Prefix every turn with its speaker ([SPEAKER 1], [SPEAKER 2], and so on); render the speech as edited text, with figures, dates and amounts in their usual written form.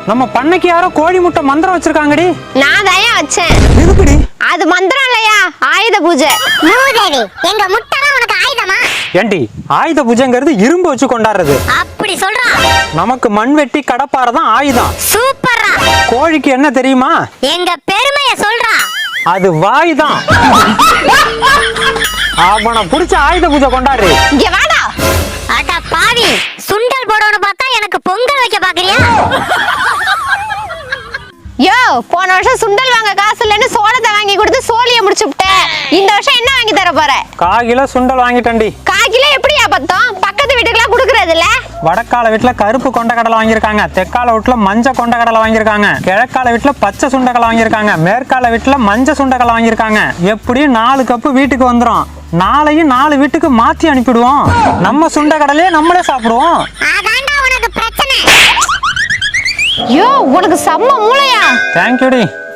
[SPEAKER 1] நம்ம பண்ணைக்கு யாரோ கோழி முட்டை மந்திரம் வச்சிருக்காங்கடி.
[SPEAKER 2] நான் தான் வச்சேன்.
[SPEAKER 1] எதுக்குடி?
[SPEAKER 2] அது மந்திரம் இல்லையா, ஆயுத பூஜை.
[SPEAKER 3] மூதேவி, எங்க முட்டைலாம் உனக்கு ஆயுதமா?
[SPEAKER 1] ஏண்டி, ஆயுத பூஜைங்கிறது இரும்பு வச்சு கொண்டாடுறது.
[SPEAKER 3] அப்படி சொல்றா?
[SPEAKER 1] நமக்கு மண்வெட்டி கடப்பாரை தான் ஆயுதம்.
[SPEAKER 3] சூப்பரா.
[SPEAKER 1] கோழிக்கு என்ன தெரியுமா?
[SPEAKER 3] எங்க பெருமைய சொல்றா.
[SPEAKER 1] அது வாய் தான். அவனை புடிச்ச ஆயுத பூஜை கொண்டாடு.
[SPEAKER 2] இங்க வாடா.
[SPEAKER 3] அட பாவி, சுண்டல் போடணும் பார்த்தா எனக்கு பொங்கல் வைக்க பாக்குறியா?
[SPEAKER 2] யோ, போன வருஷம் சுண்டல் வாங்க காசு இல்லைன்னு சோளத்தை வாங்கி கொடுத்து சோழியை முடிச்சு விட்டேன். இந்த வருஷம் என்ன வாங்கி தர போற?
[SPEAKER 1] 1/4 கிலோ சுண்டல் வாங்கிட்டேன்டி.
[SPEAKER 2] 1/4 கிலோ எப்படியா பத்தம்? பக்கத்து வீட்டுக்குலாம் குடுக்கறது இல்ல.
[SPEAKER 1] வடக்கால வீட்டுல கருப்பு கொண்டக்கடலை வாங்கியிருக்காங்க, தெற்கால வீட்டுல மஞ்சள் கொண்டக்கடலை வாங்கியிருக்காங்க, கிழக்கால வீட்டுல பச்சை சுண்டக்கடலை வாங்கியிருக்காங்க, மேற்கால வீட்டுல மஞ்சள் சுண்டக்கடலை வாங்கியிருக்காங்க. எப்படியும் 4 கப்பு வீட்டுக்கு வந்துரும். நாளையும் 4 வீட்டுக்கு மாத்தி அனுப்பிடுவோம். நம்ம சுண்டக்கடலையே நம்மளே சாப்பிடுவோம்.
[SPEAKER 3] அதான்டா உனக்கு பிரச்சனை.
[SPEAKER 2] யோ, உனக்கு செம்ம மூளையா.
[SPEAKER 1] தேங்க்யூடி.